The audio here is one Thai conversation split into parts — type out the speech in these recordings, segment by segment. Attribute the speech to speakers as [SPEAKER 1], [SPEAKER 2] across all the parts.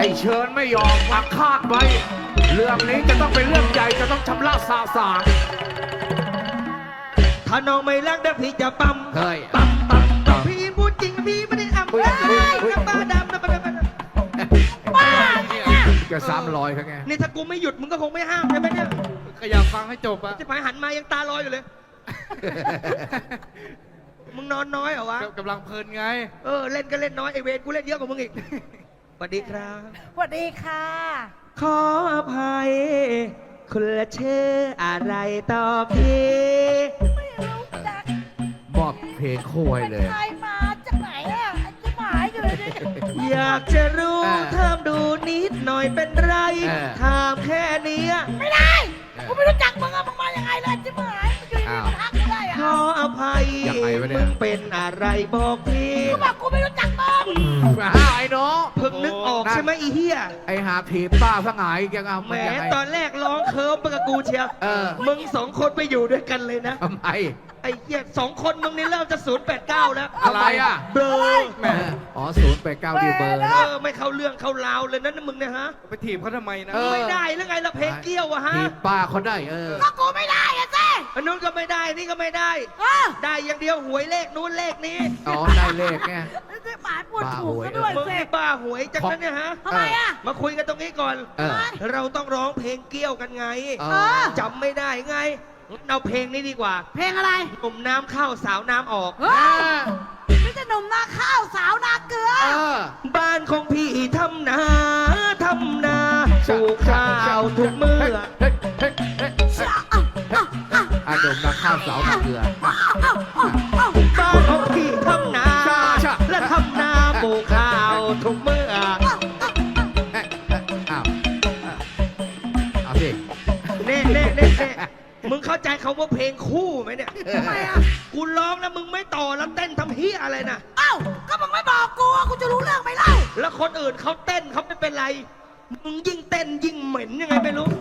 [SPEAKER 1] อ้เชิญไม่ยอมมาคาดไว้เรื่องนี้จะต้องเป็นเรื่องใหญ่จะต้องชำระสาสาง
[SPEAKER 2] ถ้าน้องไม่รักเดี๋ยวพี่จะปั๊ม
[SPEAKER 1] เฮ้ย
[SPEAKER 2] ปั๊มพี่พูดจริงพี่ไม่ได้อำได้กับบ้าดำนะบ้า
[SPEAKER 1] จะ300ครับไง
[SPEAKER 2] นี่ถ้ากูไม่หยุดมึงก็คงไม่ห้ามใช่ไหมเนี่ย
[SPEAKER 3] ก็อยากฟังให้จบอะ
[SPEAKER 2] จะไปหันมายังตาลอยอยู่เลย มึงนอนน้อยเหรอวะ
[SPEAKER 3] กำลังเพลินไง
[SPEAKER 2] เล่นก็เล่นน้อยไอเวรกูเล่นเยอะกว่ามึงอีก สวัสดีครับ
[SPEAKER 4] สวัสดีค่ะ
[SPEAKER 2] ขออภัยคุณละชื่ออะไรต่อพี่
[SPEAKER 4] ไม่รู้จัก
[SPEAKER 1] มอบเพลงคู่ให้เลย
[SPEAKER 4] ใครมาจากไหนอ่ะจะหมายอยู่เลยดิ
[SPEAKER 2] อยากจะรู้ถามดูนิดหน่อยเป็นไรถามแค่เนี้ย
[SPEAKER 4] ไม่ได้กูไม่รู้จักมึงอะมึงมายังไงเลยจะหมายมึงอยู่ดีๆมาทักกูได้
[SPEAKER 2] ข
[SPEAKER 4] อ่ะ
[SPEAKER 2] ออภัย
[SPEAKER 1] ยังไงวะเนี่ย
[SPEAKER 2] มึงเป็นอะไรบอกพี่
[SPEAKER 4] กูบอกกูไม่รู้จักมึง
[SPEAKER 1] ไอ้น้อง
[SPEAKER 2] เพิ่งนึกออกใช่ไหมอีเหี้ย
[SPEAKER 1] ไอ้หาถีบป้าสงายยังเอา
[SPEAKER 2] แหม
[SPEAKER 1] ยังไง
[SPEAKER 2] ตอนแรกร้องเคิร์ฟไปกับกูเชียว มึงสองคนไปอยู่ด้วยกันเลยนะ
[SPEAKER 1] ทำไม
[SPEAKER 2] ไอ้เหี้ยสองคนมึงนี่เริ่มจะ089แล้ว
[SPEAKER 1] อะไรอ่ะ
[SPEAKER 2] เบลอ
[SPEAKER 1] แหมอ๋อ089ดิวเบอร์นะ
[SPEAKER 2] ไม่เข้าเรื่องเข้าราวเลยนะมึงเนี่ยฮะ
[SPEAKER 3] ไปถีบเขาทำไมนะ
[SPEAKER 2] ไม่ได้แล้วไงละเพลงเกี้ยวอะฮะ
[SPEAKER 1] ถีบป้าเขาได้
[SPEAKER 4] ก็กูไม่ได้อะเจ้
[SPEAKER 2] อันนู้นก็ไม่ได้นี่ก็ไม่ได้ ได้อย่างเดียวหวยเลขนู้นเลขนี้
[SPEAKER 1] อ๋อได้เลขไง
[SPEAKER 4] จะหมายปวดถูกซะด้วย
[SPEAKER 2] มึง
[SPEAKER 4] เจ้
[SPEAKER 2] นี่บ้าหวยจังนั้นเนี่ยฮะ
[SPEAKER 4] ทำไมอ่ะ
[SPEAKER 2] มาคุยกันตรงนี้ก่อน
[SPEAKER 1] เออ
[SPEAKER 2] เราต้องร้องเพลงเกี้ยวกันไง จำไม่ได้ไงเอาเพลงนี้ดีกว่า
[SPEAKER 4] เพลงอะไร
[SPEAKER 2] หนุ่มน้ำเข้าสาวน้ำออก
[SPEAKER 4] เฮ้ยไม่ใช่หนุ่มนาข้าวสาวนาเกลือ
[SPEAKER 2] บ้านของพี่ทำนาปลูกข้าวทุกเมื่อ
[SPEAKER 1] อาดมนาข้าวเสาหนักเกลือ
[SPEAKER 2] บ้านของพี่ทำนาและทำนาปลูกข้าวทุกเมื่อ
[SPEAKER 1] อ้าวเอาสิ
[SPEAKER 2] เน่มึงเข้าใจเขาว่าเพลงคู่ไหมเนี่ย
[SPEAKER 4] ทำไมอ่ะ
[SPEAKER 2] กูร้องแล้วมึงไม่ต่อแล้วเต้นทำเฮียอะไรนะ
[SPEAKER 4] เอ้าก็มึงไม่บอกกูอะกูจะรู้เรื่องไหมเล่า
[SPEAKER 2] แล้วคนอื่นเขาเต้นเขาไม่เป็นไร มึงยิ่งเต้นยิ่งเหม็นยังไงไม่รู้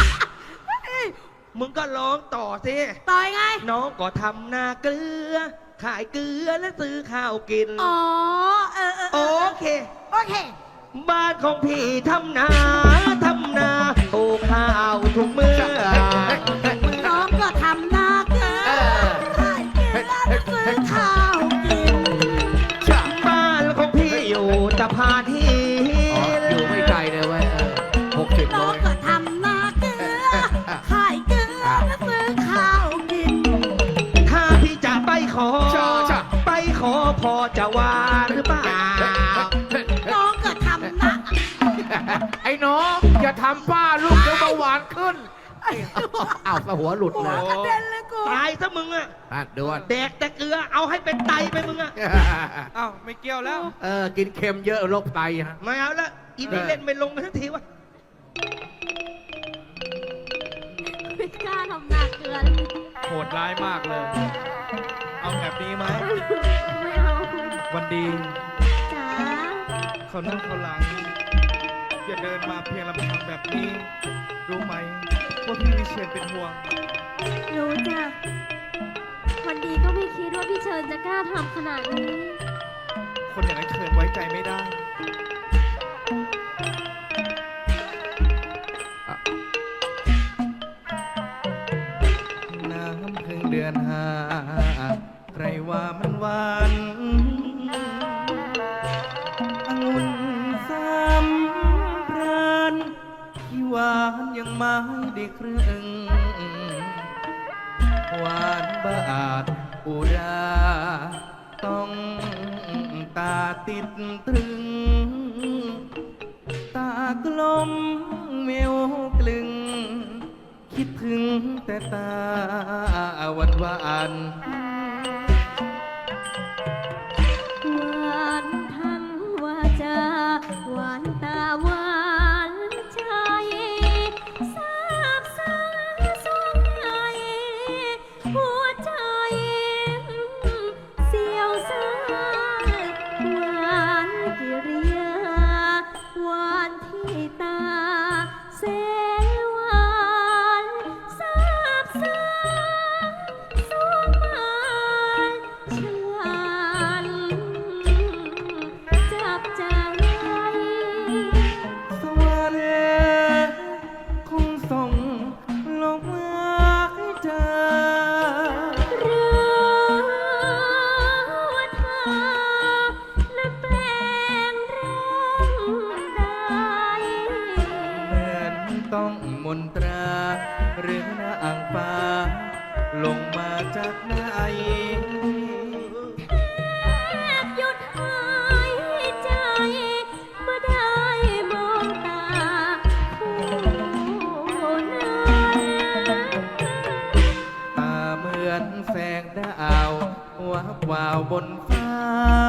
[SPEAKER 2] มึงก็ร้องต่อสิ
[SPEAKER 4] ต่อยไง
[SPEAKER 2] น้องก็ทำนาเกลือ ขายเกลือและซื้อข้าวกิน
[SPEAKER 4] อ๋อ
[SPEAKER 2] โอเค
[SPEAKER 4] โอเค
[SPEAKER 2] บ้านของพี่ทำนาปลูกข้าวทุกเมื่อ
[SPEAKER 4] น้องก็ทำนาเกลือขายเกลือแล้วซื้อข้าวกิน
[SPEAKER 2] บ้านของพี่อยู่ตะพานหิ
[SPEAKER 1] อ๋ออยู่ไม่ไกลเลยเว้ย60 โล
[SPEAKER 4] น้องก็ทำนาเกลือขายเกลือแล้วซื้อข้าวกิน
[SPEAKER 2] ถ้าพี่จะไปขอ ไปขอพอจะว่าหรือเปล่า
[SPEAKER 4] น้องก็ทำนา
[SPEAKER 1] ไอ้น้องอย่าทำป้าลูกเดี๋ยวเบาหวานขึ้นอ้าวหัวหลุด
[SPEAKER 4] หั
[SPEAKER 1] เล
[SPEAKER 4] วย กระเด็นเลยกู
[SPEAKER 2] ตายซะมึงอะ
[SPEAKER 1] ด่วน
[SPEAKER 2] แดกแต่เกลือเอาให้เป็นไตไปมึงอะ
[SPEAKER 3] อ้าวไม่เกี่ยวแล้ว
[SPEAKER 1] กินเค็มเยอะโรคไตฮะ
[SPEAKER 2] ไม่เอาละอีนี่เล่นไม่ลงกันทันทีวะ
[SPEAKER 5] ไม่กล้าทำหนักเกิน
[SPEAKER 3] โหดร้ายมากเลย เอาแบบนี้ไหม
[SPEAKER 5] ไม่เอา
[SPEAKER 3] วันดี
[SPEAKER 5] จ๋า
[SPEAKER 3] เขานั่งเขาหลัง อย่าเดินมาเพียงลำพังแบบนี้ รู้ไหมว่าพี่วิเชียนเป็นห่วง
[SPEAKER 5] รู้จ้ะวันดีก็ไม่คิดว่าพี่เชิญจะกล้าทำขนาดนี้
[SPEAKER 3] คนอย่างไอ้เชิญไว้ใจไม่ได้ น้ำพึ่งเดือนห้าใครว่ามันหวานองุ่นสามพรานที่หวานยังไม่ได้ครึ่งหวานบาดอุราต้องตาติดตรึง ตากลมเมวกลึง คิดถึงแต่ตาวัน
[SPEAKER 5] หวานทั้งวาจาหวานตาหวานใจซาบซ่าสวงในหัวใจเสียวซ่านหวานกิริยาหวานที่ตาเสหวานซาบซ่าสวงมา ฉันจับใจ
[SPEAKER 3] มนตราหรือนางฟ้าลงมาจากไหน
[SPEAKER 5] แทบหยุดหายใจเมื่อได้มองตาผู้นั้น
[SPEAKER 3] ตาเหมือนแสงดาววับวาวบนฟ้า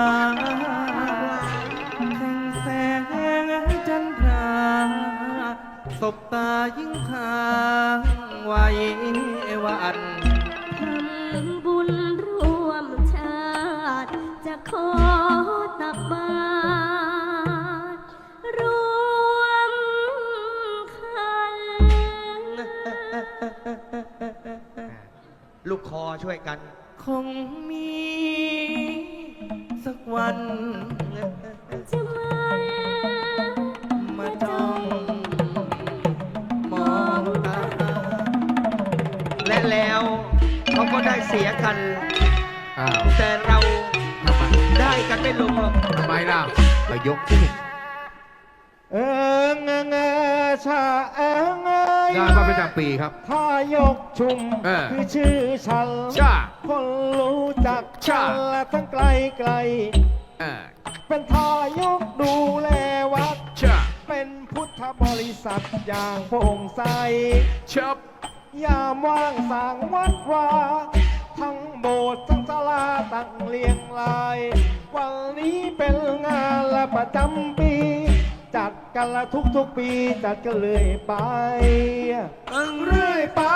[SPEAKER 3] แสงจันทราสบตายิ่งพางไว้วัน
[SPEAKER 5] ทำบุญร่วมชาติจะขอตักบาตรรวมคัน
[SPEAKER 2] ลูกคอช่วยกัน
[SPEAKER 3] คงมีสักวัน
[SPEAKER 5] จะมัน
[SPEAKER 3] มาจ้องมองตา
[SPEAKER 2] และแล้วเขาก็ได้เสียกัน
[SPEAKER 1] อ้าว
[SPEAKER 2] แต่เรา
[SPEAKER 1] ทำไม
[SPEAKER 2] ได้กันไม่ลงหรอก
[SPEAKER 1] ทำไมล่ะไปยกที่
[SPEAKER 3] เอิงเอิงชาเอิงเอ้ย
[SPEAKER 1] งานพระประจำปีครับ
[SPEAKER 3] ถ้ายกชุม
[SPEAKER 1] เออ
[SPEAKER 3] คือชื่อฉัน
[SPEAKER 1] ชา
[SPEAKER 3] คนรู้จัก
[SPEAKER 1] ชา
[SPEAKER 3] กันและทั้งไกลไกล
[SPEAKER 1] เออ
[SPEAKER 3] เป็นทายกดูแลวัด
[SPEAKER 1] ชา
[SPEAKER 3] เป็นพุทธบริษัทอย่างโปร่งใส
[SPEAKER 1] ชับ
[SPEAKER 3] ยามว่างสร้างวัดวาทั้งโบสถ์ทั้งศาลาตั้งเรียงราย วันนี้เป็นงานละประจำปี จัดกันละทุกๆปีจัดกันเรื่อยไปเรื่อยไป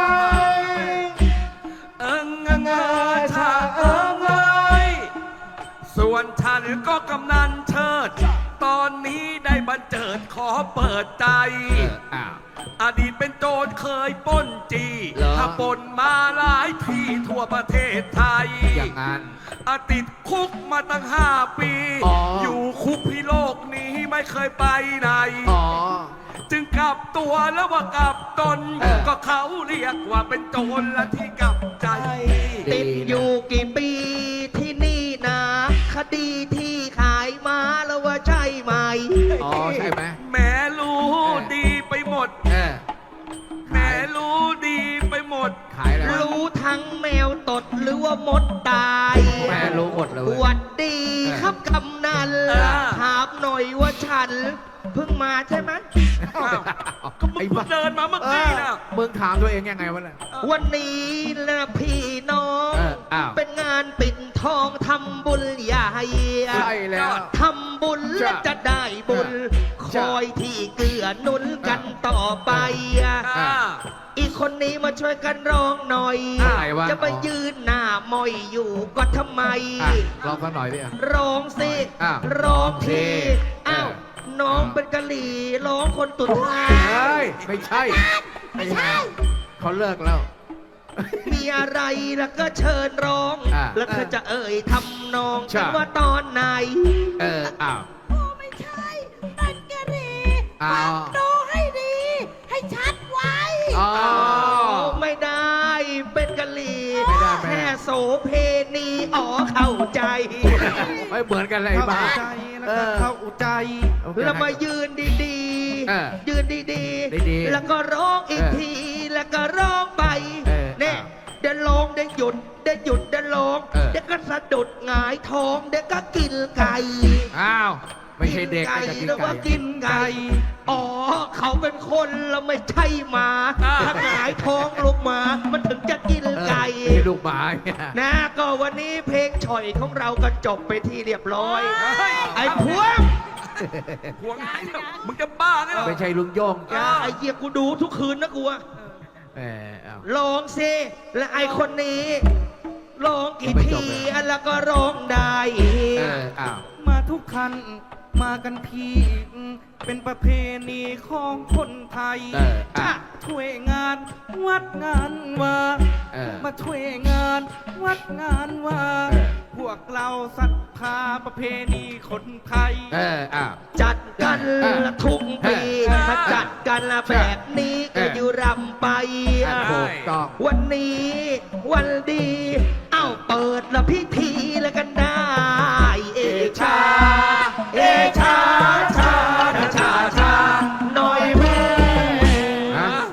[SPEAKER 6] เอิงเอิงเอิงชาเอิงเอ้ยส่วนฉันก็กำนันเชิด ตอนนี้ได้บันเจิดขอเปิดใจ
[SPEAKER 1] อ้าว
[SPEAKER 6] อดีตเป็นโจรเคยปล้นจี
[SPEAKER 1] เหรอ
[SPEAKER 6] ถ้าปล้นมาหลายที่ทั่วประเทศไทย
[SPEAKER 1] อย่างนั้น
[SPEAKER 6] ติดคุกมาตั้ง5 ปี
[SPEAKER 1] อ๋อ
[SPEAKER 6] อยู่คุกพิโลกนี้ไม่เคยไปไหน
[SPEAKER 1] อ๋อ
[SPEAKER 6] จึงกลับตัวแล้วว่ากลับตน
[SPEAKER 1] เออ
[SPEAKER 6] ก็เขาเรียกว่าเป็นโจรและที่กลับใจ
[SPEAKER 2] ติดอยู่กี่ปีที่นี่นะคดีที่ขายมาแล้วว่าใช่ไหม
[SPEAKER 1] อ๋อ ใช่ไหม
[SPEAKER 6] แม่รู้ดีไปหมด
[SPEAKER 1] เออ
[SPEAKER 6] แม่รู้ดีไปหมด
[SPEAKER 1] ขายแล้ว
[SPEAKER 2] รู้ทั้งแมวตดหรือว่ามดตาย
[SPEAKER 1] แม่รู้หมดเลย
[SPEAKER 2] หวัดดีครับกำนัน
[SPEAKER 6] เออ
[SPEAKER 2] ถามหน่อยว่าฉันเพิ่งมาใช่ไหม
[SPEAKER 6] อ้าวก็มึงเพิ่งเดินมาเมื่อกี้นะ
[SPEAKER 1] มึงถามตัวเองยังไงวะเนี่ย
[SPEAKER 2] วันนี้นะพี่น้อง
[SPEAKER 1] อ้าว
[SPEAKER 2] เป็นงานปิดทองทำบุญใหญ่
[SPEAKER 1] ใช่แล้ว
[SPEAKER 2] ทำบุญแล้วจะได้บุญ ค
[SPEAKER 1] จ้ะ
[SPEAKER 2] อยที่เกื้อหนุนกันต่อไป
[SPEAKER 6] อ่า
[SPEAKER 2] อีกคนนี้มาช่วยกันร้องหน่อย
[SPEAKER 1] อะไรวะ
[SPEAKER 2] จะไปยืนหน้ามอยอยู่ก็ทำไม
[SPEAKER 1] อ่ะลองสักหน่อยดิอ่ะ
[SPEAKER 2] ร้องสิ
[SPEAKER 1] อ้าว
[SPEAKER 2] ร้องที
[SPEAKER 1] เออ
[SPEAKER 2] อ้าวน้องเป็นกะหรี่ร้องคนตุดท้า
[SPEAKER 1] เฮ้
[SPEAKER 2] ย
[SPEAKER 1] ย ไม่ใช่ ไม่ใช่ เขาเลิกแล้ว
[SPEAKER 2] มีอะไรแล้วก็เชิญร้อง
[SPEAKER 1] อ่ะ
[SPEAKER 2] แล้วเธอจะเอ่ยทำนอง
[SPEAKER 1] ใช่
[SPEAKER 2] กันว่าตอนไหน
[SPEAKER 1] เออ อ้าว
[SPEAKER 4] โอ้ไม่ใช่เป็นกะหรี่
[SPEAKER 1] อ้าว
[SPEAKER 4] ฟังดูให้ดี ให้ชัดไว้
[SPEAKER 1] อ๋อ
[SPEAKER 2] ไม่ได้เป็นกะหรี่
[SPEAKER 1] ไม่ได้ไม่ได้
[SPEAKER 2] แค่โสเพณีอ๋อเข้าใจ
[SPEAKER 1] ไม่เหมือนกันเลยบ้า
[SPEAKER 3] เข้าใจแล้วก็เข้าใจ
[SPEAKER 2] แล้วมายืนดี
[SPEAKER 1] เออ
[SPEAKER 2] ๆ ยืนดี
[SPEAKER 1] ดีๆ
[SPEAKER 2] แล้วก็ร้องอีก
[SPEAKER 1] เออ
[SPEAKER 2] ที แล้วก็ร้องไป
[SPEAKER 1] เออ
[SPEAKER 2] เนี่ย
[SPEAKER 1] อ้าว
[SPEAKER 2] เดี๋ยวร้องเดี๋ยวหยุดเดี๋ยวหยุดเดี๋ยวร้อง
[SPEAKER 1] เออ
[SPEAKER 2] เดี๋ยวก็สะดุดหงายท้องเดี๋ยวก็กินไก่
[SPEAKER 1] อ้าว ไม่ใช่เด็กนะจะกิน
[SPEAKER 2] แล้ว
[SPEAKER 1] ไก่
[SPEAKER 2] ว่ากินไก่ อ๋อ เขาเป็นคนแล้วไม่ใช่หมา
[SPEAKER 6] อ่า
[SPEAKER 2] ถ้าหงายท้องลูกหมา มันถึงจะกิน
[SPEAKER 1] เออ
[SPEAKER 2] ไก่
[SPEAKER 1] ไม่ใช่ลูกหมาเนี่ย
[SPEAKER 2] นะก็วันนี้เพลงฉ่อยของเราก็จบไปที่เรียบร้อย
[SPEAKER 6] เฮ้ย
[SPEAKER 2] ไอ้พวง
[SPEAKER 6] พวงไหนแล้วมึงจะบ้าไงเหรอ
[SPEAKER 1] ไม่ใช่ลุงโย่ง
[SPEAKER 2] ไอ้เหี้ยกูดูทุกคืนนะกูอะ
[SPEAKER 1] เออเอา
[SPEAKER 2] ร้องสิและไอ้คนนี้ร้องกี่
[SPEAKER 1] ไม่
[SPEAKER 2] ที
[SPEAKER 1] จบเลย
[SPEAKER 2] แล้วก็ร้องได้
[SPEAKER 1] เอออ้าว
[SPEAKER 3] มาทุกคันมากันทีเป็นประเพณีของคนไทย
[SPEAKER 1] เอออ่ะ
[SPEAKER 3] ช่วยงานวัดงานว่า
[SPEAKER 1] เออ
[SPEAKER 3] มาช่วยงานวัดงานว่า
[SPEAKER 1] เออ
[SPEAKER 3] พวกเราศรัทธาประเพณีคนไทย
[SPEAKER 1] เอออ้าว
[SPEAKER 2] จัดกัน
[SPEAKER 1] เออ
[SPEAKER 2] ละทุกปี
[SPEAKER 1] เออ
[SPEAKER 2] ถ้าจัดกันละแบบนี้
[SPEAKER 1] เอ
[SPEAKER 2] ก็
[SPEAKER 1] อ
[SPEAKER 2] อยู่รำไป
[SPEAKER 1] อ่ะถูกต้อง
[SPEAKER 2] วันนี้วันดี เอ้าเปิดละพิธีแล้วกันได้ เอชา เอชาชาชาชาชาหน่อยแม่
[SPEAKER 1] ฮะ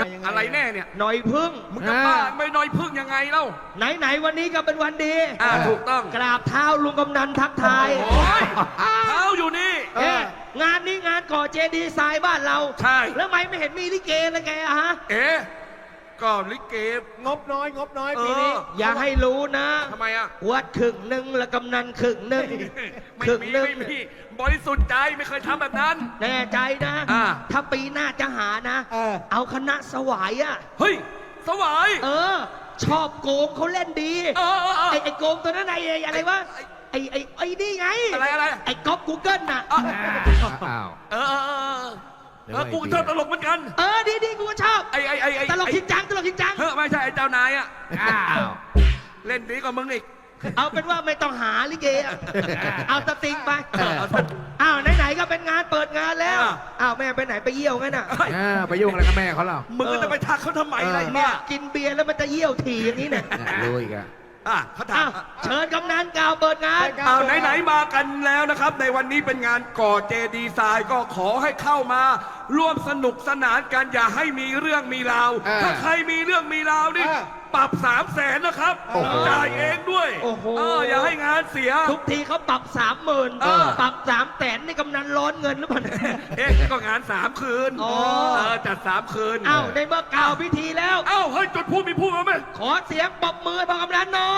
[SPEAKER 6] อะไรแน่เนี่ย
[SPEAKER 2] หน่อยพึ่ง
[SPEAKER 6] มึงจะบ้าไม่น้อยพึ่งยังไงเล่า
[SPEAKER 2] ไหนวันนี้ก็เป็นวันดี
[SPEAKER 6] ถูกต้อง
[SPEAKER 2] กราบเท้าลุงกำนันทักทาย
[SPEAKER 6] โอ้ยเท้าอยู่นี่
[SPEAKER 2] งานนี้งานก่อเจดีย์ทรายบ้านเรา
[SPEAKER 6] ใช่
[SPEAKER 2] แล้วทำไมไม่เห็นมีลิเกเลยแกอะฮะ
[SPEAKER 6] ก็ลิเก
[SPEAKER 3] งบน้อยปีนี้
[SPEAKER 2] อย่าให้รู้นะ
[SPEAKER 6] ทำไมอ่ะ
[SPEAKER 2] วัดครึ่งหนึ่งและกำนันครึ่งหนึ่ง
[SPEAKER 6] ไม่
[SPEAKER 2] ครึ่ง
[SPEAKER 6] มี
[SPEAKER 2] หนึ่ง
[SPEAKER 6] ไม่มีบริสุทธิ์ใจไม่เคยทำแบบนั้น
[SPEAKER 2] แน่ใจนะ ถ้าปีหน้าจะหานะ เอาคณะสวายอะ
[SPEAKER 6] เฮ้ย สวาย
[SPEAKER 2] ชอบโกงเขาเล่นดี ไอ้โกงตัวนั้นไอ้อะไรวะ ไอ้นี่ไง
[SPEAKER 6] อะไร
[SPEAKER 2] ไอ้ก๊อปกูเกิลน่ะ
[SPEAKER 1] อ้าว
[SPEAKER 6] กูชอบตลกเหมือนกัน
[SPEAKER 2] ดีกูก็ชอบ
[SPEAKER 6] ไอ้
[SPEAKER 2] ตลกจริงจัง
[SPEAKER 6] เฮ้ยไม่ใช่ไอ้เจ้านายอ่ะ
[SPEAKER 1] อ้าว
[SPEAKER 6] เล่นดีกว่ามึงอีก
[SPEAKER 2] เอาเป็นว่าไม่ต้องหาลิเกอะเอาสติงไปอ้าวไหนๆก็เป็นงานเปิดงานแล้วอ้าวแม่ไปไหนไปเยี่ยวงั้นน่ะ
[SPEAKER 1] ไปยุ่งอะไรกับแม่เขาเหรอ
[SPEAKER 6] มึงก็จะไปทักเขาทำไมอะไร
[SPEAKER 2] เนี่
[SPEAKER 6] เนี่ย ย
[SPEAKER 2] กินเบียร์แล้วมันจะเยี่ยวถี่อย่างนี้เนี่ย
[SPEAKER 1] รู้อีกอะ
[SPEAKER 6] เขาถา
[SPEAKER 2] อ้าม วเชิญกำนันกล่าวเปิดงาน
[SPEAKER 6] เอาไหนๆมากันแล้วนะครับ ในวันนี้เป็นงานก่อเจดีย์ทรายก็ขอให้เข้ามา ร่วมสนุกสนานกันอย่าให้มีเรื่องมีราว ถ้าใครมีเรื่องมีราวนี่ปรับ300,000นะครับจ่ายเองด้วย
[SPEAKER 2] โอ้โห
[SPEAKER 6] อย่าให้งานเสีย
[SPEAKER 2] ทุกทีเขาปรับ 30,000ปรับ300,000นี่กำนันร้อนเงินหรือเปล่า
[SPEAKER 6] ก็งาน3 คืนจัด3 คืน
[SPEAKER 2] อ้าวในเมื่อกล่าวพิธีแล้ว
[SPEAKER 6] เฮ้ยจุดพูดมีพูดมาไหม
[SPEAKER 2] ขอเสียงปรบมือให้พ่อกำนันหน่อย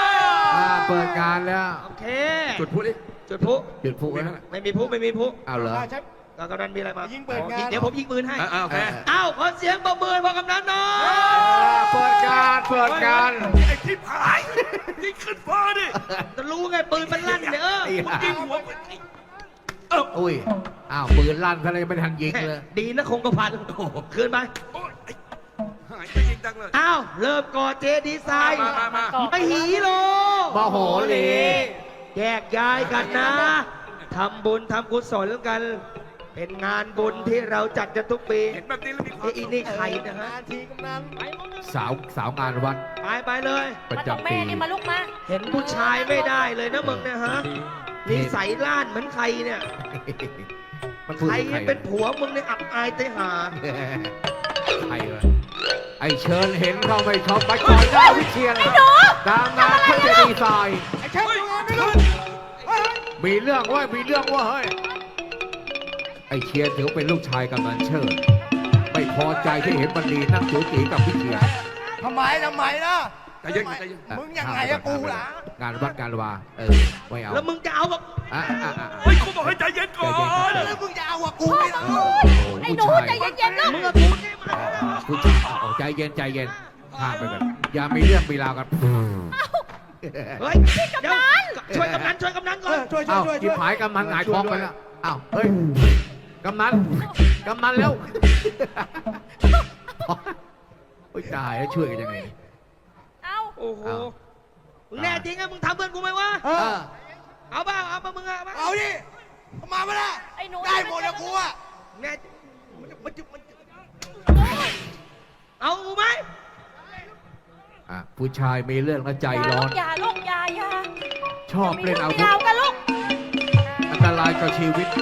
[SPEAKER 1] เปิดงานแล้ว
[SPEAKER 2] โอเค
[SPEAKER 6] จุดพูดดิ
[SPEAKER 2] จุดพลุ
[SPEAKER 1] หยุดพูดไว้
[SPEAKER 2] ไม่มีพลุไม่มีพลุ
[SPEAKER 1] เอาเหรอ
[SPEAKER 3] ใช่
[SPEAKER 2] ก็กำนันมีอะไรมา
[SPEAKER 3] ยิงเปิดงาน
[SPEAKER 2] เดี๋ยวผมยิงปืนให้
[SPEAKER 6] โอเค
[SPEAKER 2] อ้าวขอเสียงปรบมือให้พ่อกำนันหน่อย
[SPEAKER 1] เปิดงานเปิดงาน
[SPEAKER 6] ไอ้ที่ผายยิงขึ้นฟ้าดิ
[SPEAKER 2] จะรู้ไงปืนมันลั่นเนี่ย
[SPEAKER 6] มึงยิงหัว
[SPEAKER 1] อุ้ย อ้าวปืนลั่นทะเลไม่ทันยิงเลย
[SPEAKER 2] ดีนะคงกระพันคืนไป
[SPEAKER 6] โอ้ยหายไปยิงดังเลย
[SPEAKER 2] อ้าวเริ่มก่อเจดีย์ทราย
[SPEAKER 6] มา
[SPEAKER 2] ไม่หีโล
[SPEAKER 1] มโหรี
[SPEAKER 2] แยกย้ายกันนะทำบุญทำกุศลกัน เป็นงานบุญที่เราจัดกันทุกปี
[SPEAKER 6] เห็นแบบนี้แล้วมีความ
[SPEAKER 2] อีนี่ใครนะฮะ
[SPEAKER 3] งานทีกำนัน
[SPEAKER 1] สาวงานวัด
[SPEAKER 2] ไปเลย
[SPEAKER 1] ประ
[SPEAKER 5] มาตรง
[SPEAKER 1] จำ
[SPEAKER 5] แม่
[SPEAKER 1] ปี
[SPEAKER 5] นี่มาลูกมา
[SPEAKER 2] เห็นผู้ชายไม่ได้เลยนะมึงเนี่ยฮะนิสัยล้านเหมือนใครเนี่ย
[SPEAKER 1] มันพูด
[SPEAKER 2] ใคร
[SPEAKER 1] ถึงใคร
[SPEAKER 2] เป็นผัวมึงเนี่ยอับอายเตหา
[SPEAKER 1] ใครวะไอเชิญเห็นเขาไม่ชอบไปก่อนหน้าวิเชียนตามงานเขาจะดีไซน์
[SPEAKER 3] ไอ้แค่ทำงานไม่รู้
[SPEAKER 1] มีเรื่องว่ามีเรื่องว่าเฮ้ย ไอเชียนถือเป็นลูกชายกำนันเชิด ไม่พอใจที่เห็นมันดีนั่งจู๋จีกับวิเชียน
[SPEAKER 3] ทำไมนะ
[SPEAKER 6] ใจเย็นใจเย็น
[SPEAKER 3] มึงยังไงอะกูล่ะ
[SPEAKER 1] งานวัดงานวาไม่เอา
[SPEAKER 2] แล้วมึงจะเอาแบบ
[SPEAKER 6] เฮ้ยกูบอกให้ใจเย็นก่อน
[SPEAKER 3] แล้วมึงจะเอาอะกูไม่เอา
[SPEAKER 5] ไอ้หนูใจเย็นๆลูก
[SPEAKER 2] มึงกับกูเนี่ยมา
[SPEAKER 1] ผู้ชายใจเย็นใจเย็นข้ามไปก่อนอย่ามีเรื่องมีราวกัน
[SPEAKER 2] เฮ้ยเดี๋ยวช่วยกำนันก่อน
[SPEAKER 3] ช่วย
[SPEAKER 1] เอ้าจิบหายกำนันหงายท้องไปแล้วอ้าวเฮ้ยกำนันแล้วโอ้ยตายแล้วช่วยกันยังไง
[SPEAKER 5] เอา
[SPEAKER 2] โอ้โหมึงแน่จริงอะมึงทำเพื่อนกูไหมวะ เอาเปล่าเอามามึงอะมา
[SPEAKER 3] เอาดิมาไม่ได้
[SPEAKER 5] ไอ้หนู
[SPEAKER 3] ได้หมดอะกูอะ
[SPEAKER 2] แน่เอาไหม
[SPEAKER 1] ผู้ชายมีเรื่องแล้วใจร้อน
[SPEAKER 5] อย่าลูกอย่า
[SPEAKER 1] ชอบเล่นอาวุธ
[SPEAKER 5] ยาวกันลูก
[SPEAKER 1] อันตรายต่อชีวิต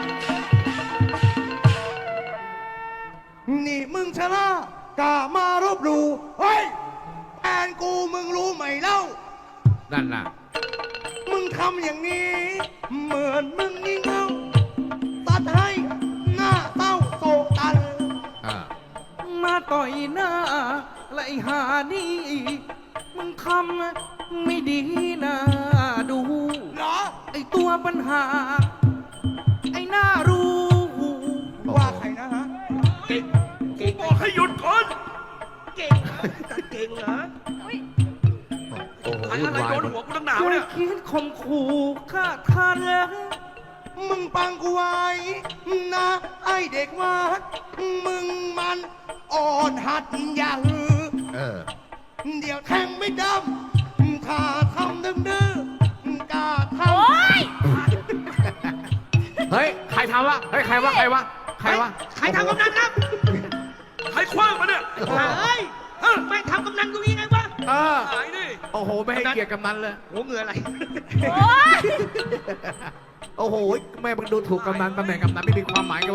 [SPEAKER 3] นี่มึงชนะกล้ามารบหลู่เฮ้ยแฟนกูมึงรู้ไหมเล่า
[SPEAKER 1] นั่นน่ะ
[SPEAKER 3] มึงทำอย่างนี้ เหมือนมึงงี่เง่าตัดให้หน้าเต้าโศกตัน
[SPEAKER 7] มาต่อยหน้าและไอ้หานี่ มึงทำไม่ดีนะดู
[SPEAKER 3] เหรอ
[SPEAKER 7] ไอ้ตัวปัญหา ไอ้หน้ารู้
[SPEAKER 3] ว่าใครนะฮะ
[SPEAKER 2] เก่ง
[SPEAKER 6] บอกให้หยุดก่อน
[SPEAKER 2] เก่งเหรอ
[SPEAKER 1] โอ้โห
[SPEAKER 6] อะไร
[SPEAKER 1] วุ่นวาย
[SPEAKER 6] โดน
[SPEAKER 1] หมด
[SPEAKER 6] หัวกูตั้งหนาว
[SPEAKER 7] กู
[SPEAKER 6] เนี่ย
[SPEAKER 7] คิดข่มขู่ฆ่าทันแล้ว
[SPEAKER 3] มึงปังกูไว้นะไอเด็กวัดมึงมันอ่อนหัดอย่าหือ เดี๋ยวแทงไม่ดำถ้าทำดื้อกล้าท
[SPEAKER 5] โอ๊ย
[SPEAKER 1] เฮ้ยใครทำวะเฮ้ยใครวะ
[SPEAKER 2] ใครทำกำนันครับ
[SPEAKER 6] ใครคว้างมาเนี่ย
[SPEAKER 2] เฮ้ยไม่ทำกำนันกูยังไงวะ
[SPEAKER 6] หายดิ
[SPEAKER 1] โอ้โหไม่ให้เกียรติกำนันเลย
[SPEAKER 2] โอ้เหงื่ออะไร
[SPEAKER 5] โอ๊ย
[SPEAKER 1] โอ้โหแม่มึงดูถูกกำนันตำแหน่งกำนันไม่มีความหมายกันวะ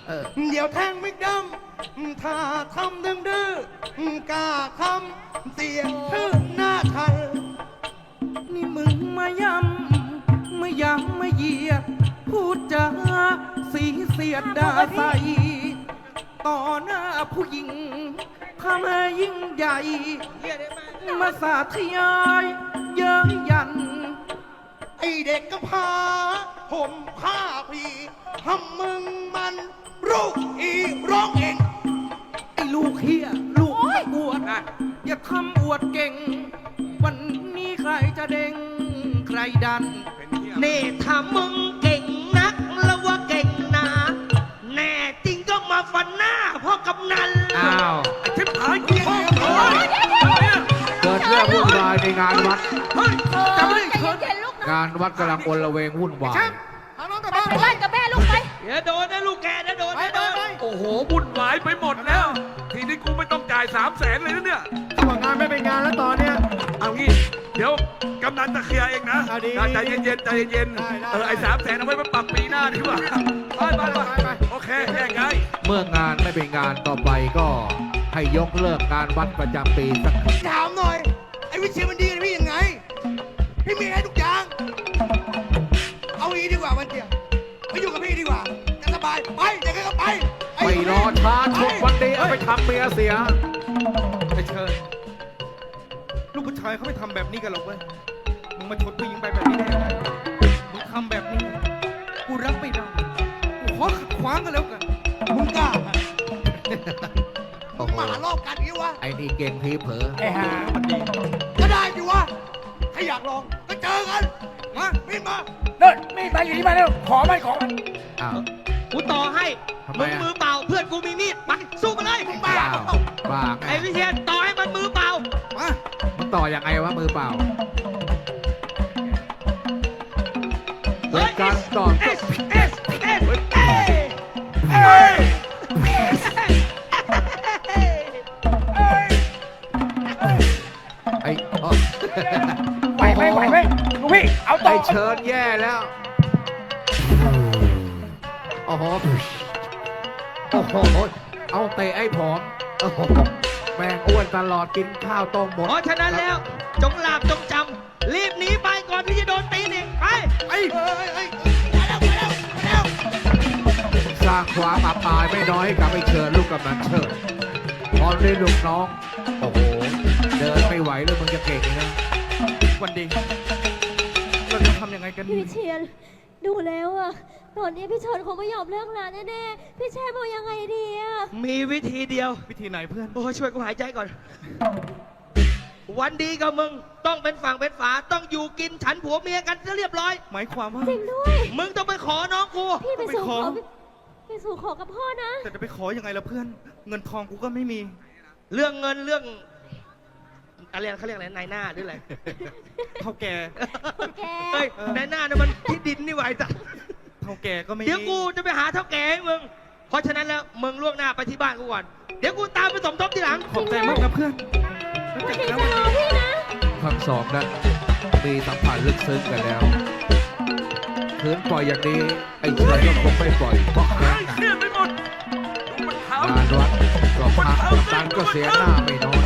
[SPEAKER 1] เออ
[SPEAKER 3] เดี๋ยวแทงไม่ดำถ้าทำดื้อกล้าทำเสียงชื่อหน้าทัน
[SPEAKER 7] นี่มึงมาย้ำมาย้ำมาเหยียดพูดจาสีเสียดด่าใส่ต่อหน้าผู้หญิงทำให้ยิ่งใหญ่
[SPEAKER 2] เฮียได้ไหม
[SPEAKER 7] มาสาธยายเย้ยยัน
[SPEAKER 3] ไอเด็กก็พาผมผ้าพี่ทำมึงมันลูกอีร้องเอง
[SPEAKER 7] ไอ้ลูกเฮียลูกตะกรวดอย่าทำอวดเก่ง วันนี้ใครจะเด้งใครดัน
[SPEAKER 2] นี่ถ้ามึงเก่งนักแล้วว่าเก่งหนาแน่จริงก็มาฟันหน้าพ่อกำนัน
[SPEAKER 1] อ้าว
[SPEAKER 6] ไอ้ชิบหายกูพ่อเฮ้ย
[SPEAKER 1] เกิดเรื่องวุ่นวายในงานวัด
[SPEAKER 6] เฮ้ย
[SPEAKER 5] ใจเย็นๆลูกนะ
[SPEAKER 1] งานวัดกำลังอลเวงวุ่นวาย
[SPEAKER 5] ไปบ้านกับแม่ลูกไป
[SPEAKER 2] เดี๋ยวโดนนะลูกแกนะโดนนะโดน
[SPEAKER 6] โอ้โหบุญหวายไปหมดแล้ว ทีนี้กูไม่ต้องจ่าย300,000เลยนะเนี่ย
[SPEAKER 3] ถ้างานไม่เป็นงานแล้วตอนเนี้ย
[SPEAKER 6] เอางี้ เดี๋ยวกำนันจะเคลียร์เองนะ
[SPEAKER 3] เอาดี
[SPEAKER 6] ใจเย็นๆใจเย็น
[SPEAKER 3] ได้
[SPEAKER 6] ๆไอ้300,000เอาไว้มาปรับปีหน้าดีกว่าไปโอเคแยกย้าย
[SPEAKER 1] เมื่องานไม่เป็นงานต่อไปก็ให้ยกเลิกงานวัดประจำปีสัก
[SPEAKER 3] ถามหน่อย ไอ้วิเชียรมันดีกับพี่ยังไง พี่มีให้ทุกอย่าง เอางี้ดีกว่าวันเดียวไปอยู่กับพี่ดีกว่า จะสบาย ไปเดี๋ยวก็ไป
[SPEAKER 1] ไปรอช้าชุดวันนี้เอาไปทำเมียเสีย
[SPEAKER 7] ไอ้เชิญลูกผู้ชายเขาไม่ทำแบบนี้กันหรอกเว้ย มึงมาชดผู้หญิงไปแบบนี้ได้ยังไงมึงทำแบบนี้ กูรับไม่ได้ กูขอขัดขวางกันแล้วกัน
[SPEAKER 3] มึงกล้าอะ
[SPEAKER 1] โอ้โห
[SPEAKER 3] มาหารอบกันอย่างนี้วะ
[SPEAKER 1] ไอ้นี่เก่งทีเผลอ
[SPEAKER 3] ไอ้ห่ามันดีก็ได้อยู่วะ ถ้าอยากลองก็เจอกัน มามีดมา
[SPEAKER 7] เดินมีดมาอยู่ที่มาเร็วขอมันของมัน
[SPEAKER 1] อ้าว
[SPEAKER 2] กูต่อให้
[SPEAKER 1] ทำไม
[SPEAKER 2] มึง
[SPEAKER 1] อะ
[SPEAKER 2] มือเปล่าเพื่อนกูมีมีดไปสู้มาเลย
[SPEAKER 3] บ้า
[SPEAKER 1] อ้าวบ้าไง
[SPEAKER 2] ไอ้วิเชียรต่อให้มันมือเปล่า
[SPEAKER 7] มา
[SPEAKER 1] มันต่อยังไงวะมือเปล่า เกิดการต่อ
[SPEAKER 2] เอสเอสเอสเอส
[SPEAKER 1] ไอ้อ๋อ
[SPEAKER 7] ไหวไหมลูกพี่ เอาต่
[SPEAKER 1] ไอ้
[SPEAKER 7] อ
[SPEAKER 1] เชิญแย่แล้ว โอ้โห โอ้โห เอาเตะไอ้ผอม โอ้โห แม่งอ้วนตลอดกินข้าวต้มหมด
[SPEAKER 2] เพราะฉะนั้นแล้ว จงหลาบจงจำ รีบหนีไปก่อนที่จะโดนตีนอีกไป
[SPEAKER 3] เฮ้ยมาแล้วมาแล้วมาแล้ว
[SPEAKER 1] สร้างความอับอายไม่น้อยให้กับไอ้เชิญลูกกำนันเชิญพอได้ลูกน้อง โอ้โห เดินไม่ไหวแล้วมึงจะเก่งนะ
[SPEAKER 7] วันดี เราจะทำยังไงกัน
[SPEAKER 5] พี่
[SPEAKER 7] ดี
[SPEAKER 5] วิเชียรดูแล้วอะตอนนี้พี่เชิญคงไม่ยอมเลิกงานแน่ๆพี่แช่เอายังไงดีอะ
[SPEAKER 2] มีวิธีเดียว
[SPEAKER 7] วิธีไหนเพื่อน
[SPEAKER 2] โอ้ยช่วยกูหายใจก่อน วันดีกับมึงต้องเป็นฝั่งเป็นฝาต้องอยู่กินฉันผัวเมียกันจะเรียบร้อย
[SPEAKER 7] หมายความว่า
[SPEAKER 5] จริงด้วย
[SPEAKER 2] มึงต้องไปขอน้องกู
[SPEAKER 5] พี่ไปสู่ขอ
[SPEAKER 7] ไปขอ
[SPEAKER 5] ไปสู่ขอกับพ่อนะ
[SPEAKER 7] แต่จะไปขอยังไงล่ะเพื่อน เงินทองกูก็ไม่มี
[SPEAKER 2] เรื่องเงินเรื่องอะไรเขาเรียกอะไรนายหน้าหรืออะไร
[SPEAKER 7] เท่าแก่
[SPEAKER 5] คนแก
[SPEAKER 2] เฮ้ยนายหน้าเนี่ยมันที่ดินนี่ไหวจ้ะ
[SPEAKER 7] เท่าแก่ก็ไม่มี
[SPEAKER 2] เดี๋ยวกูจะไปหาเท่าแก่ให้มึง เพราะฉะนั้นแล้วมึงล่วงหน้าไปที่บ้านกูก่อน เดี๋ยวกูตามไปสมทบทีหลัง
[SPEAKER 7] ขอบใจมากนะเพื่อนแล้ว
[SPEAKER 5] วัน
[SPEAKER 7] เจอ
[SPEAKER 5] นี้
[SPEAKER 7] กัน
[SPEAKER 5] จะ
[SPEAKER 7] นะ
[SPEAKER 5] รอพี่นะ
[SPEAKER 1] ทั้งสองนั้นมีสัมพันธ์ลึกซึ้งกันแล้วคืนปล่อยอย่างนี้ ไอ้เชิญก็คงไม่ปล่อยเพราะแค้นหนัก
[SPEAKER 6] เครียดไปหมดดูมันเท้าง
[SPEAKER 1] านวัดก็พักกับตันก็เสียหน้าไม่น้อย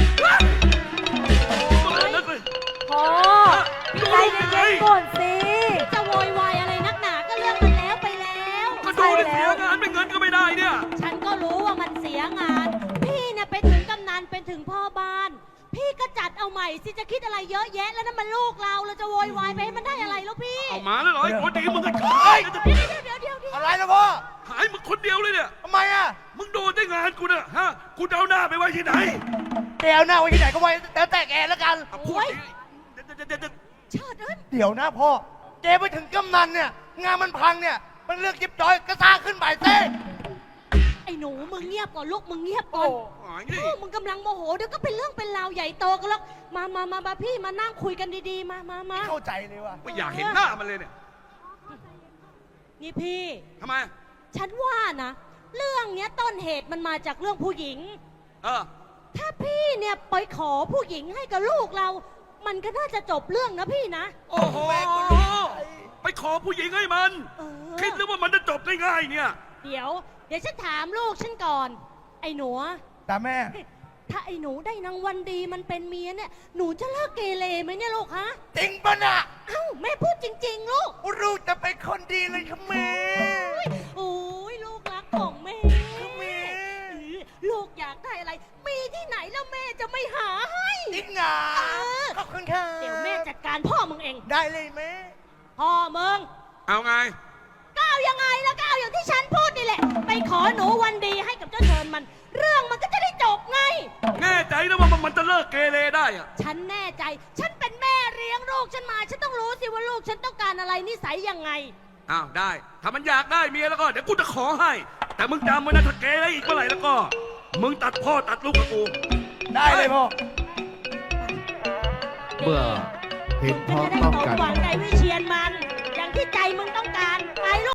[SPEAKER 5] พ่อ
[SPEAKER 6] ดู
[SPEAKER 5] ใจ
[SPEAKER 6] ลูก
[SPEAKER 5] เย็
[SPEAKER 6] ยังไง
[SPEAKER 5] นๆก่อนสิจะโวยวายอะไรนักหนาก็เรื่องมันแล้วไปแล้ว
[SPEAKER 6] ก็ดูดิเสียงานเป็นเงินก็ไม่ได้เนี่ย
[SPEAKER 5] ฉันก็รู้ว่ามันเสียงาน พี่เนี่ยเป็นถึงกำนันเป็นถึงพ่อบ้าน พี่ก็จัดเอาใหม่สิจะคิดอะไรเยอะแยะแล้วนั่นมันลูกเราจะโวยวายไปให้มันได้อะไรแล้วพี่
[SPEAKER 6] เอามาแล้วเหรอไอ้คนดีมึงก็
[SPEAKER 5] เดี๋ยว
[SPEAKER 3] อะไรนะพ่อ
[SPEAKER 6] หายมึงคนเดียวเลยเนี่ย
[SPEAKER 3] ทำไมอ่ะ
[SPEAKER 6] มึงโดนได้งานกูเนี่ยฮะ กูจะเอาหน้าไปไว้ที่ไหน
[SPEAKER 3] แกเอาหน้าไว้ที่ไหนก็ไว้แล้วแต่แกแล้วกัน
[SPEAKER 6] เอาพูดดิเดี๋ยว
[SPEAKER 5] เชิดเอ้ย
[SPEAKER 3] เดี๋ยวนะพ่อ แกไปถึงกำนันเนี่ย งานมันพังเนี่ย มันเลือกจิ๊บจอยก็สร้างขึ้นใหม่เต้
[SPEAKER 5] ไอ้หนูมึงเงียบก่อนลูกมึงเงียบก่
[SPEAKER 3] โอ้
[SPEAKER 5] อน
[SPEAKER 6] หายดิ
[SPEAKER 5] ลูกมึงกำลังโมโหเดี๋ยวก็เป็นเรื่องเป็นราวใหญ่โตกันแล้วมาพี่มานั่งคุยกันดีๆมา
[SPEAKER 3] เข้าใจเลยว่ะ
[SPEAKER 6] ไม่อยากเห็นหน้ามันเลยเนี่ย
[SPEAKER 5] นี่พี่
[SPEAKER 6] ทำไม
[SPEAKER 5] ฉันว่านะ เรื่องเนี้ยต้นเหตุมันมาจากเรื่องผู้หญิง
[SPEAKER 6] เออ
[SPEAKER 5] ถ้าพี่เนี่ยไปขอผู้หญิงให้กับลูกเรา มันก็น่าจะจบเรื่องนะพี่นะ
[SPEAKER 6] โอ้โห ไปขอผู้หญิงให้มัน
[SPEAKER 5] เออ
[SPEAKER 6] คิดหรือว่ามันจะจบได้ง่ายเนี่ย
[SPEAKER 5] เดี๋ยวดี๋ยวฉันถามลูกฉันก่อน ไอ้หนู
[SPEAKER 3] ตาแม่
[SPEAKER 5] ถ้าไอ้หนูได้นางวันดีมันเป็นเมียเนี่ย หนูจะเลิกเกเรไหมเนี่ยลูกฮะ
[SPEAKER 3] จริงปะน่ะ
[SPEAKER 5] เอ้าแม่พูดจริง ๆ ลูก
[SPEAKER 3] ลูกจะเป็นคนดีเลยค่ะแม่
[SPEAKER 5] โอ้ยลูกรักของแม่
[SPEAKER 3] แม่
[SPEAKER 5] ลูกอยากได้อะไร มีที่ไหนแล้วแม่จะไม่หาให้
[SPEAKER 3] จริงเหรอ
[SPEAKER 5] เออ
[SPEAKER 3] ขอบคุณค่ะ
[SPEAKER 5] เดี๋ยวแม่จัดการพ่อมึงเอง
[SPEAKER 3] ได้เลยแม่
[SPEAKER 5] พ่อมึง
[SPEAKER 6] เอาไง
[SPEAKER 5] ก้าวยังไงแล้วก้าวอย่างที่ฉันพูดนี่แหละ ไปขอหนูวันดีให้กับเจ้าเชิญมัน เรื่องมันก็จะได้จบไง
[SPEAKER 6] แน่ใจนะว่ามันจะเลิกเกเรได้อะ
[SPEAKER 5] ฉันแน่ใจ ฉันเป็นแม่เลี้ยงลูกฉันมา ฉันต้องรู้สิว่าลูกฉันต้องการอะไรนิสัยยังไง
[SPEAKER 6] อ้าวได้ ถ้ามันอยากได้เมียแล้วก็เดี๋ยวกูจะขอให้ แต่มึงจำไว้นะถ้าเกเรอีกเมื่อไหร่แล้วก็ มึงตัดพ่อตัดลูกกับกู
[SPEAKER 3] ได้เลยพ่อ
[SPEAKER 1] เมื่อเห็นพ้อง
[SPEAKER 5] จะได้
[SPEAKER 1] ต้อง
[SPEAKER 5] สม
[SPEAKER 1] กัน
[SPEAKER 5] หวังใจวิเชียนมัน อย่างที่ใจมึงต้องการ ไปลูก